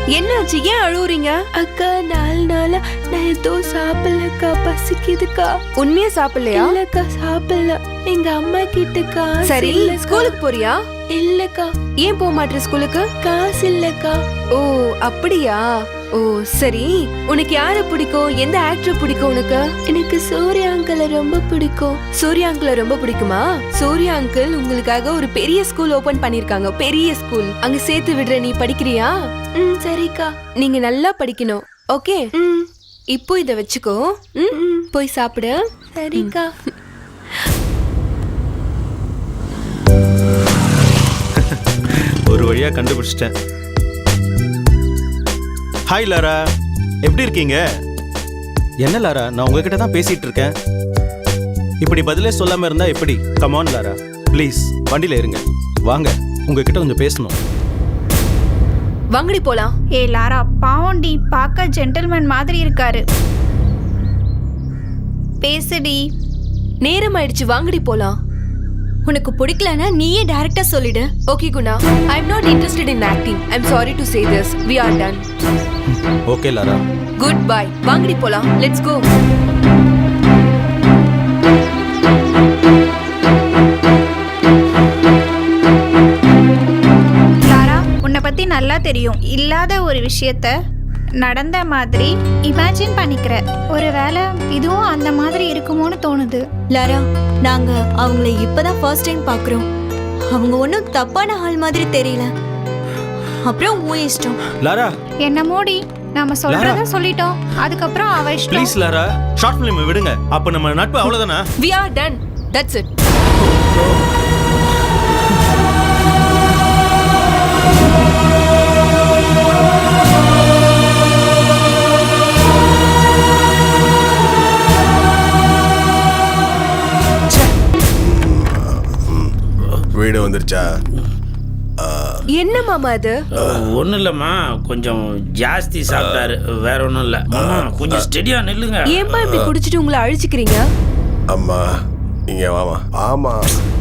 என்னாச்சு? ஏன் அழுவுறீங்க? அக்கா 4 நாளா நான் எதுவும் சாப்பிடலக்கா, பசிக்குதுக்கா. உண்மையா சாப்பிடலையா? இல்லக்கா சாப்பிடல. எங்க அம்மா கிட்ட காசு சரி, இல்லக்கா. ஸ்கூலுக்கு போறியா? இல்லக்கா. ஏன் போக மாட்டே ஸ்கூலுக்கு? காசு இல்லக்கா. ஓ அப்படியா? ஓ சரி, உனக்கு யார பிடிக்கும்? எந்த ஆக்டர் பிடிக்கும் உனக்கு? எனக்கு சூர்யா அங்கிளை ரொம்ப பிடிக்கும். சூர்யா அங்கிளை ரொம்ப பிடிக்குமா? சூர்யா அங்கிள் உங்களுக்காக ஒரு பெரிய ஸ்கூல் ஓபன் பண்ணிருக்காங்க. பெரிய ஸ்கூல். அங்க சேர்த்து விடுற, நீ படிக்கிறியா? சரிக்கா. நீங்க நல்லா படிக்கணும். ஓகே, இப்போ இத வச்சுக்கோ. போய் சாப்பிடு. சரிக்கா. ஒரு வழியா கண்டுபிடிச்சிட்டேன். ஹாய் லாரா, எப்படி இருக்கீங்க? என்ன லாரா, நான் உங்ககிட்ட தான் பேசிட்டு இருக்கேன். இப்படி பதிலே சொல்லாம இருந்தா எப்படி? கமான் லாரா, ப்ளீஸ் வண்டியில இருங்க. வாங்க, உங்ககிட்ட கொஞ்சம் பேசணும். வாங்கடி போலாம். லாரா, பாவண்டி, பார்க்க ஜென்டில்மேன் மாதிரி இருக்காரு. பேசுடி. நேரம் ஆயிடுச்சு, வாங்கடி போலாம். உனக்கு பிடிக்கலனா நீயே டைரக்டா சொல்லிடு. Okay Guna, I'm not interested in acting. I'm sorry to say this. We are done. Okay Lara. Goodbye. வாங்கடி போலாம். Let's go. லாரா, உன்னை பத்தி நல்லா தெரியும். இல்லாத ஒரு விஷயத்த நடந்த மாதிரி இமேஜின் பண்ணிக்கிற. ஒருவேளை இதுவும் அந்த மாதிரி இருக்குமோன்னு தோணுது. லாரா, நாங்க அவங்கள இப்பதான் ஃபர்ஸ்ட் டைம் பாக்குறோம். அவங்க ஒன்றும் தப்பான ஆள் மாதிரி தெரியல. அப்புறம் உன் இஷ்டம். லாரா, என்ன மோடி, நாம சொல்றத சொல்லிட்டோம். அதுக்கப்புறம் அவ இஷ்டம். ப்ளீஸ் லாரா, ஷார்ட் ஃபிலிம் விடுங்க. அப்ப நம்ம நட்பு அவ்வளவுதானா? We are done. That's it. வீடு வந்துருச்சா? என்ன மாமா அது? ஒன்றும் இல்லைம்மா, கொஞ்சம் ஜாஸ்தி சாப்பிட்டாரு, வேற ஒன்றும் இல்லை. மாமா கொஞ்சம் ஸ்டெடியா நில்லுங்க. ஏன்பா இப்படி குடிச்சிட்டு உங்களை அழிச்சுக்கிறீங்க? அம்மா இங்க வாமா. ஆமா,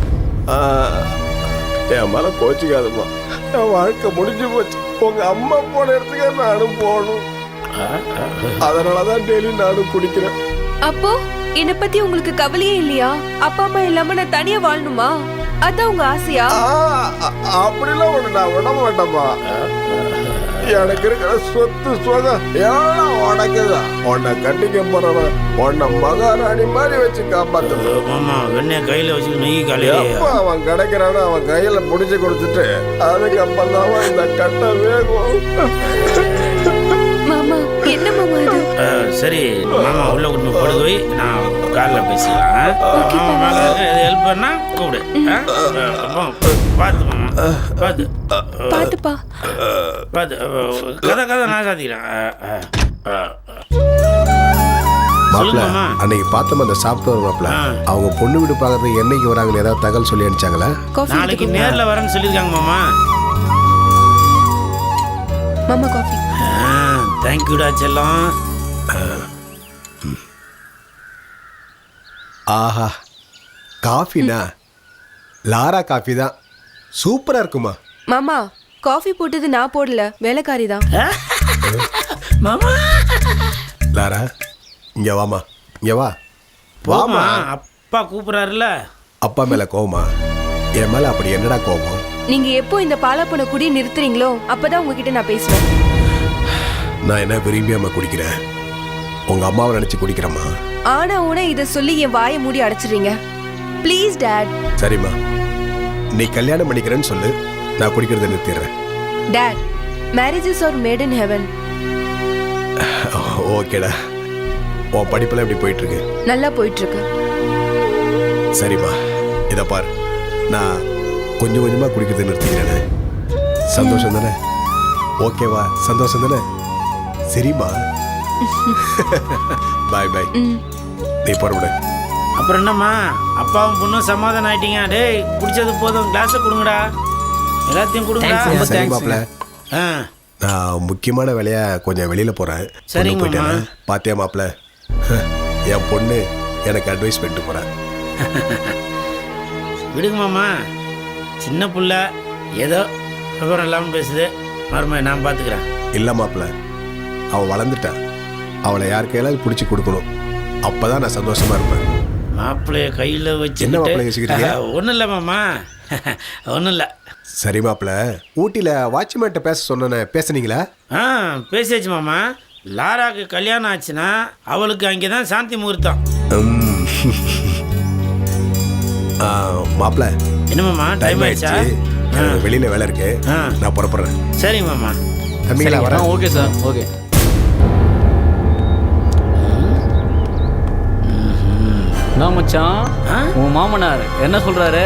என் மேல கோச்சிக்காதம்மா. என் வாழ்க்கை முடிஞ்சு போச்சு. உங்க அம்மா போன இடத்துக்கு நானும் போகணும். அதனாலதான் டெய்லி நானும் குடிக்கிறேன். அப்போ என்னை பத்தி உங்களுக்கு கவலையே இல்லையா? அப்பா அம்மா இல்லாம நான் தனியா வாழணுமா? அதான் உங்க ஆசையா? அப்படிலாம் ஒண்ணு நான் விட மாட்டேம்மா. எனக்கு இருக்கிற சொத்து சுகம் எல்லாம் உனக்குதான். உன்னை கட்டிக்க போறவன் உன்னை மகாராணி மாதிரி வச்சு காப்பாத்து. மாமா வெண்ணெய் கையில வச்சு நெய் காலையில எப்ப அவன் கிடைக்கிறானோ அவன் கையில புடிச்சு கொடுத்துட்டு அதுக்கப்புறம் தான் இந்த கட்டை வேகும். மாமா என்ன மாமா இது? சரி மாமா உள்ள கொண்டு படுக்க போய் நான் காலில் பேசிக்கலாம். மாமா மேலே ஹெல்ப் பண்ணா கூப்பிடு. பார்த்து மாமா, பார்த்து பாத்துப்பா, பார்த்து கதை நான் சாத்திக்கிறேன். சொல்லுங்கம்மா. அன்னைக்கு பார்த்தோம் அந்த சாப்பிட்டு மாப்பிள்ள, அவங்க பொண்ணு வீடு பார்க்கறது என்னைக்கு வராங்கன்னு ஏதாவது தகவல் சொல்லி அனுப்பிச்சாங்களா? நாளைக்கு நேரில் வரேன்னு சொல்லியிருக்காங்க மாமா. மாமா காஃபி. தேங்க்யூடா செல்லம். ஆஹா, காஃபினா லாரா காஃபி தான். சூப்பரா இருக்குமா? மாமா காஃபி போட்டது நான் போடல, வேலைக்காரி தான். மாமா லாரா இங்க வாமா, இங்க வா. வாமா, அப்பா கூப்பிடுறாருல. அப்பா மேல கோவமா? என் மேல அப்படி என்னடா கோவம்? நீங்க எப்போ இந்த பாலாப்பன குடியை நிறுத்துறீங்களோ அப்பதான் உங்ககிட்ட நான் பேசுவேன். நான் என்ன விரும்பியாம குடிக்கிறேன்? உங்க அம்மாவை நினைச்சு குடிக்கிறேம்மா. ஆனா உன இத சொல்லி என் வாயை மூடி அடைச்சிடுறீங்க. Please dot. சரிம்மா, நீ கல்யாணம் பண்ணிக்கிறேன்னு சொல்லு, நான் குடிக்கிறத நிறுத்திடுறேன். Dad, marriages are made in heaven. ஓகேடா. உன் படிப்பெல்லாம் எப்படி போயிட்டு இருக்கு? நல்லா போயிட்டு இருக்கு. சரிம்மா, இதை பாரு, நான் கொஞ்சம் கொஞ்சமா குடிக்கிறத நிறுத்திக்கிறேன். சந்தோஷம் தானே? ஓகேவா? சந்தோஷம் தானே? சரிம்மா. பாய் பாய். நீ புறப்படு. அப்புறம் என்னம்மா, அப்பாவும் பொண்ணும் சமாதானம் ஆயிட்டீங்க? டேய் குடிச்சது போதும், கிளாஸை கொடுங்கடா, எல்லாத்தையும் கொடுங்கடா. சரி மாப்பிள்ள, நான் முக்கியமான வேலையா கொஞ்சம் வெளியில போறேன். சரி போயிட்டேன். பாத்தியா மாப்பிள்ள, என் பொண்ணு எனக்கு அட்வைஸ் பண்ணிட்டு போறேன். விடுங்க மாமா, சின்ன புள்ள ஏதோ விவரம் இல்லாமல் பேசுது. மறுமை நான் பார்த்துக்கிறேன். இல்லை மாப்பிள்ள, அவள் வளர்ந்துட்டா. அவளை யார் கையிலாவது பிடிச்சி கொடுக்கணும். அப்பதான் நான் சந்தோஷமா இருப்பேன். மாப்பிள்ளைய கையில் வச்சு என்ன மாப்பிள்ளை யோசிக்கிறீங்க? ஒன்றும் இல்லை மாமா, ஒன்றும் இல்லை. சரி மாப்பிள்ள, ஊட்டியில் வாட்ச்மேன்ட்ட பேச சொன்னேனே, பேசுனீங்களா? பேசியாச்சு மாமா. லாராக்கு கல்யாணம் ஆச்சுன்னா அவளுக்கு அங்கே தான் சாந்தி முகூர்த்தம். மாப்பிள்ள, என்ன மாமா, டைம் ஆயிடுச்சா? எனக்கு வெளியில வேலை இருக்கு, நான் புறப்படுறேன். சரி மாமா. தம்பிங்களா வரேன். Okay sir, okay. நான் மச்சான், உன் மாமனார் என்ன சொல்றாரு?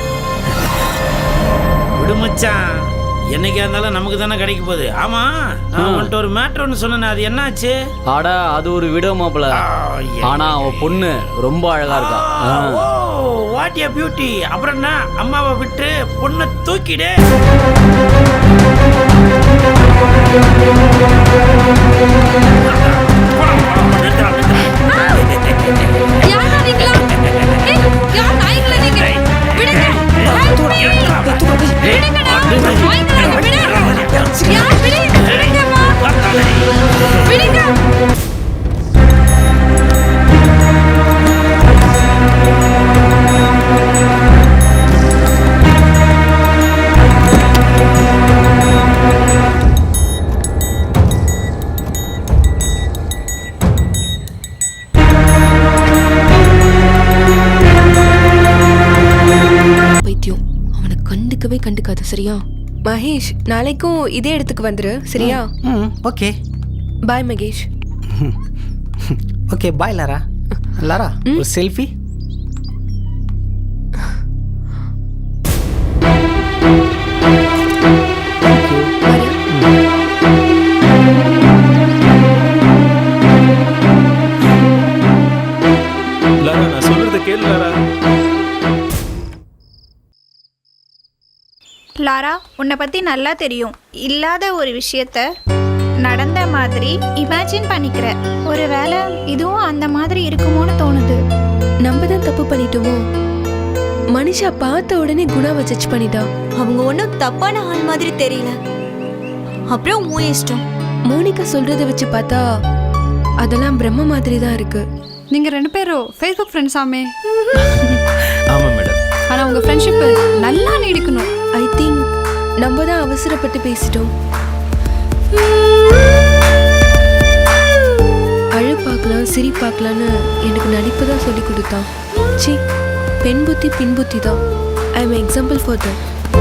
விடு மச்சான், என்னைக்கா இருந்தாலும் நமக்கு தானே கிடைக்க போகுது. ஆமா, நான் உன்கிட்ட ஒரு மேட்ரு ஒன்று சொன்னேன், அது என்னாச்சு? ஆடா, அது ஒரு விடோ மாப்பிள. ஆனா அவ பொண்ணு ரொம்ப அழகா இருக்கா. What a beauty. அப்புறம் என்ன, அம்மாவை விட்டு பொண்ணை தூக்கிடு. பைத்தியம், அவனை கண்டுக்காது. சரியா மகேஷ்? நாளைக்கும் இதே இடத்துக்கு வந்துரு. சரியா? Okay. Bye Mahesh. Okay bye Lara. Lara, ஒரு செல்ஃபி. லாரா, நான் சொல்றத கேளு லாரா. லாரா, உன்னை பற்றி நல்லா தெரியும். இல்லாத ஒரு விஷயத்த நடந்த மாதிரி இமேஜின் பண்ணிக்கிற. ஒரு வேளை இதுவும் அந்த மாதிரி இருக்குமோன்னு தோணுது. நம்ம தான் தப்பு பண்ணிட்டோமோ? மனுஷா பார்த்த உடனே குணாவை ஜட்ஜ் பண்ணிட்டா. அவங்க ஒன்றும் தப்பான ஆள் மாதிரி தெரியல. அப்புறம் உன் இஷ்டம். மோனிகா சொல்றதை வச்சு பார்த்தா அதெல்லாம் பிரம்ம மாதிரி தான் இருக்கு. நீங்க 2 பேரும் ஃபேஸ்புக் ஃப்ரெண்ட்ஸ் ஆமே. ஆமா மேடம். ஆனா உங்க ஃப்ரெண்ட்ஷிப் நல்லா நீடிக்கணும். ஐ திங்க் நம்ம தான் அவசரப்பட்டு பேசிட்டோம். அழு பார்க்கலாம், சிரி பார்க்கலான்னு எனக்கு நடிப்பு தான் சொல்லி கொடுத்தான். சி, பெண் புத்தி பின் புத்தி தான். I am example for that.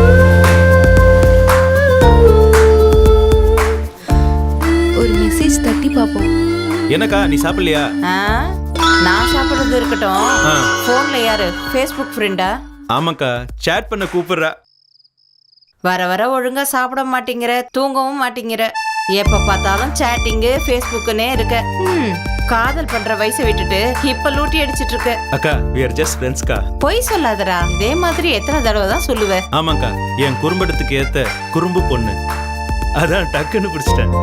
ஒரு மெசேஜ் தட்டி பார்ப்போம். என்னக்கா, நீ சாப்பிடலையா? நான் சாப்பிடுறது இருக்கட்டும். போன்ல யாரு? ஃபேஸ்புக் ஃப்ரெண்டா? ஆமாக்கா, சேட் பண்ண கூப்பிடுறா. வர வர ஒழுங்கா சாப்பிட மாட்டேங்கிற, தூங்கவும் மாட்டேங்கிற. எப்ப பார்த்தாலும் சேட்டிங்கு ஃபேஸ்புக்குன்னே இருக்க. காதல் பண்ற வயசை விட்டுட்டு இப்ப லூட்டி அடிச்சிட்டு இருக்க. அக்கா, we are just friends கா. பொய் சொல்லாதடா. இதே மாதிரி எத்தனை தடவை தான் சொல்லுவேன்? ஆமாக்கா, என் குறும்படத்துக்கு ஏத்த குறும்பு பொண்ணு, அதான் டக்குன்னு பிடிச்சிட்டேன்.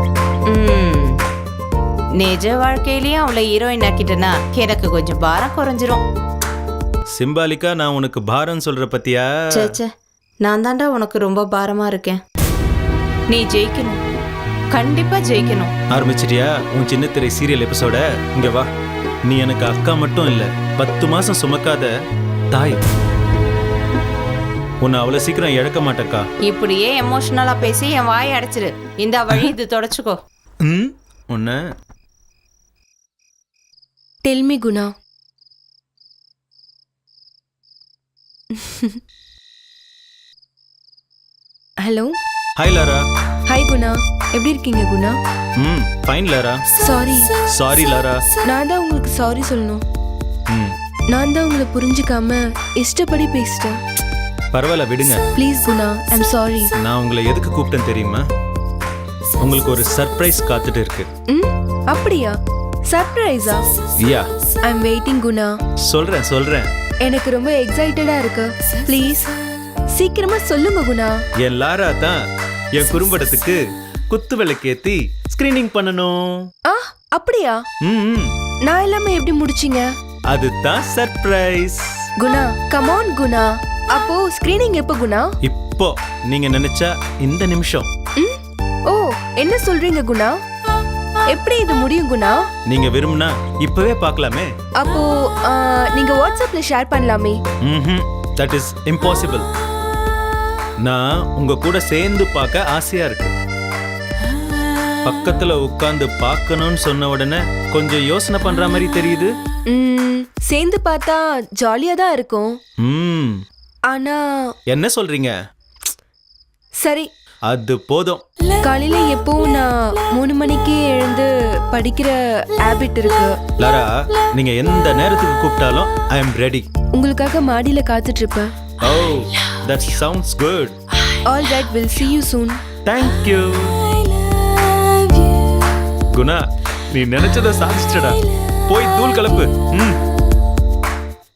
நிஜ வாழ்க்கையிலயும் அவளை ஹீரோயின் ஆக்கிட்டேன்னா எனக்கு கொஞ்சம் பாரம் குறைஞ்சிரும். சிம்பாலிக்கா நான் உனக்கு பாரம் சொல்ற பத்தியா? சேச்சே, நான் தாண்டா உனக்கு ரொம்ப பாரமா இருக்கேன். நீ ஜெயிக்கணும், கண்டிப்பா ஜெயிக்கணும். ஆரம்பிச்சிட்டியா உன் சின்ன திரை சீரியல் எபிசோட? இங்க வா. நீ எனக்கு அக்கா மட்டும் இல்ல, 10 மாசம் சுமக்காத தாய். உன்னை அவ்வளவு சீக்கிரம் இழக்க மாட்டேக்கா. இப்படியே எமோஷனலா பேசி என் வாயை அடைச்சிரு. இந்த வழி இது தொடச்சுக்கோ. உன்ன Tell me, Guna. Hello. Hi Lara. Hi Guna, எப்படி இருக்கீங்க Guna? Fine Lara. Sorry Lara. நான் தான் உங்களுக்கு சாரி சொல்லணும். நான் தான் உங்களை புரிஞ்சுக்காம இஷ்டப்படி பேசிட்டேன். பரவாயில்ல, விடுங்க. Please Guna, I'm sorry. நான் உங்களை எதுக்கு கூப்பிட்டேன் தெரியுமா? உங்களுக்கு ஒரு சர்ப்ரைஸ் காத்துட்டு இருக்கு. அப்படியா? சர்ப்ரைஸா? Yeah, I'm waiting Guna. சொல்றேன். எனக்கு ரொம்ப எக்ஸைட்டடா இருக்கு. ப்ளீஸ் சீக்கிரமா சொல்லுங்க குணா. என் லாரா தான் என் குறும்படத்துக்கு குத்து விளக்கேத்தி ஸ்கிரீனிங் பண்ணணும். அப்படியா? நான் எல்லாமே எப்படி முடிச்சீங்க? அதுதான் surprise. Guna, come on Guna. அப்போ ஸ்கிரீனிங் எப்போ குணா? இப்போ நீங்க நினைச்சா இந்த நிமிஷம். ஓ, என்ன சொல்றீங்க குணா? எப்படி இது முடியும் குணா? நீங்க விரும்புனா இப்பவே பார்க்கலாமே. அப்போ நீங்க வாட்ஸ்அப்ல ஷேர் பண்ணலாமே. That is impossible. நான் உங்க கூட சேர்ந்து பார்க்க ஆசையா இருக்கு. பக்கத்துல உட்கார்ந்து பார்க்கணும்னு சொன்ன உடனே கொஞ்சம் யோசனை பண்ற மாதிரி தெரியுது. சேர்ந்து பார்த்தா ஜாலியா தான் இருக்கும். ஆனா என்ன சொல்றீங்க? சரி, அது போதும். காலையில எப்பவும் நான் 3 மணிக்கு எழுந்து படிக்கிற ஹாபிட் இருக்கு. லாரா, நீங்க எந்த நேரத்துக்கு கூப்பிட்டாலும் ஐ அம் ரெடி. உங்களுக்காக மாடியில காத்துட்டு இருப்பேன். Oh, that sounds good. All right, we'll see you soon. Thank you. Guna, நீ நினைச்சத சாதிச்சிட்டடா. போய் தூள் கலப்பு.